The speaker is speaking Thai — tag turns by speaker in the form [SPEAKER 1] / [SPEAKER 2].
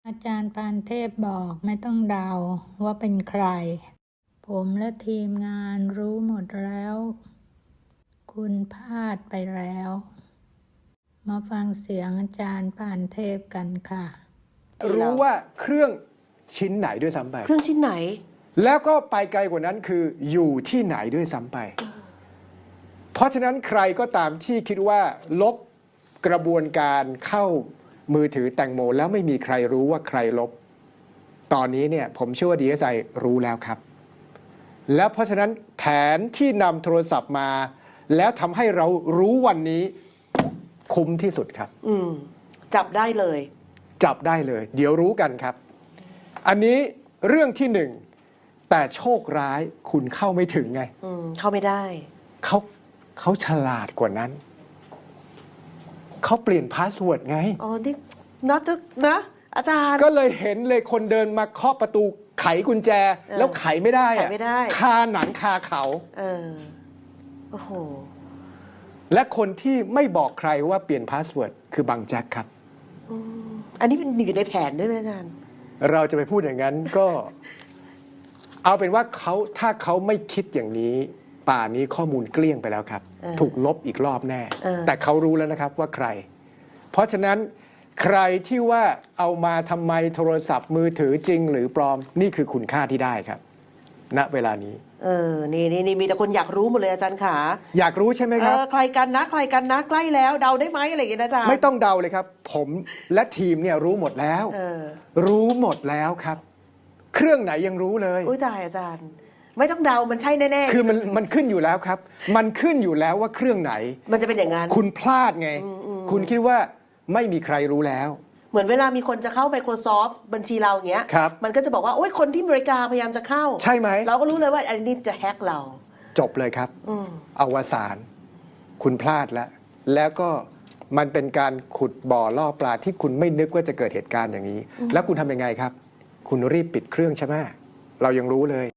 [SPEAKER 1] อาจารย์ปานเทพบอกไม่ต้องเดาว่าเป็นใคร ผมและทีมงานรู้หมดแล้ว คุณพลาดไปแล้ว มาฟังเสียงอาจารย์ปานเทพกันค่ะ
[SPEAKER 2] รู้ว่าเครื่องชิ้นไหนด้วยซ้ำไป
[SPEAKER 3] เครื่องชิ้นไหน
[SPEAKER 2] แล้วก็ไปไกลกว่านั้นคืออยู่ที่ไหนด้วยซ้ำไป เพราะฉะนั้นใครก็ตามที่คิดว่าลบกระบวนการเข้ามือถือแตงโมแล้วไม่มีใครรู้ว่าใครลบ ตอนนี้เนี่ยผมเชื่อว่า DSI รู้แล้วครับ แล้วเพราะฉะนั้นแผนที่นำโทรศัพท์มา แล้วทำให้เรารู้วันนี้คุ้มที่สุดครับ
[SPEAKER 3] จับได้เลย
[SPEAKER 2] จับได้เลย เดี๋ยวรู้กันครับ อันนี้เรื่องที่หนึ่งแต่โชคร้ายคุณเข้าไม่ถึงไง
[SPEAKER 3] เข้าไม่ได้
[SPEAKER 2] เขาฉลาดกว่านั้น เขาเปลี่ยนพาสเวิร์ดไง
[SPEAKER 3] อ๋อ นี่นะอาจารย์
[SPEAKER 2] ก็เลยเห็นเลยคนเดินมาเคาะประตูไขกุญแจ แล้วไขไม่ได้
[SPEAKER 3] ไขไม่ได้
[SPEAKER 2] คาหนังคาเขา
[SPEAKER 3] โอ้โห
[SPEAKER 2] และคนที่ไม่บอกใครว่าเปลี่ยนพาสเวิร์ดคือบางแจ็คครับ
[SPEAKER 3] อันนี้เป็นอยู่ในแผนด้วยไหมอาจารย์
[SPEAKER 2] เราจะไปพูดอย่างนั้นก็ เอาเป็นว่าถ้าเขาไม่คิดอย่างนี้ ป่านนี้ข้อมูลเกลี้ยงไปแล้วครับ ถูกลบอีกรอบแน่ แต่เขารู้แล้วนะครับว่าใคร เพราะฉะนั้นใครที่ว่าเอามาทำไมโทรศัพท์มือถือจริงหรือปลอมนี่คือคุณค่าที่ได้ครับ ณเวลานี้
[SPEAKER 3] นี่มีแต่คนอยากรู้หมดเลยอาจารย์ขา
[SPEAKER 2] อยากรู้ใช่ไหมครับ
[SPEAKER 3] ใครกันนะใกล้แล้วเดาได้ไหมอะไรอย่างเงี้ยนะอาจารย์
[SPEAKER 2] ไม่ต้องเดาเลยครับ ผมและทีมเนี่ยรู้หมดแล้ว รู้หมดแล้วครับ เครื่องไหนยังรู้เลย
[SPEAKER 3] อุ้ยตายอาจารย์ ไม่ต้องเดามันใช่แน่ๆ
[SPEAKER 2] คือมันขึ้นอยู่แล้วครับ มันขึ้นอยู่แล้วว่าเครื่องไหน
[SPEAKER 3] มันจะเป็นอย่างนั้น
[SPEAKER 2] คุณพลาดไง คุณคิดว่าไม่มีใครรู้แล้ว
[SPEAKER 3] เหมือนเวลามีคนจะเข้า Microsoft บัญชีเราอย่างเงี้ย
[SPEAKER 2] ครับ
[SPEAKER 3] มันก็จะบอกว่าโอ้ยคนที่อเมริกาพยายามจะเข้า
[SPEAKER 2] ใช่ไหม
[SPEAKER 3] เราก็รู้เลยว่าอันนี้จะแฮกเรา
[SPEAKER 2] จบเลยครับ อวสานคุณพลาดแล้ว แล้วก็มันเป็นการขุดบ่อล่อปลาที่คุณไม่นึกว่าจะเกิดเหตุการณ์อย่างนี้ แล้วคุณทำยังไงครับ คุณรีบปิดเครื่องใช่ไหมเรายังรู้เลย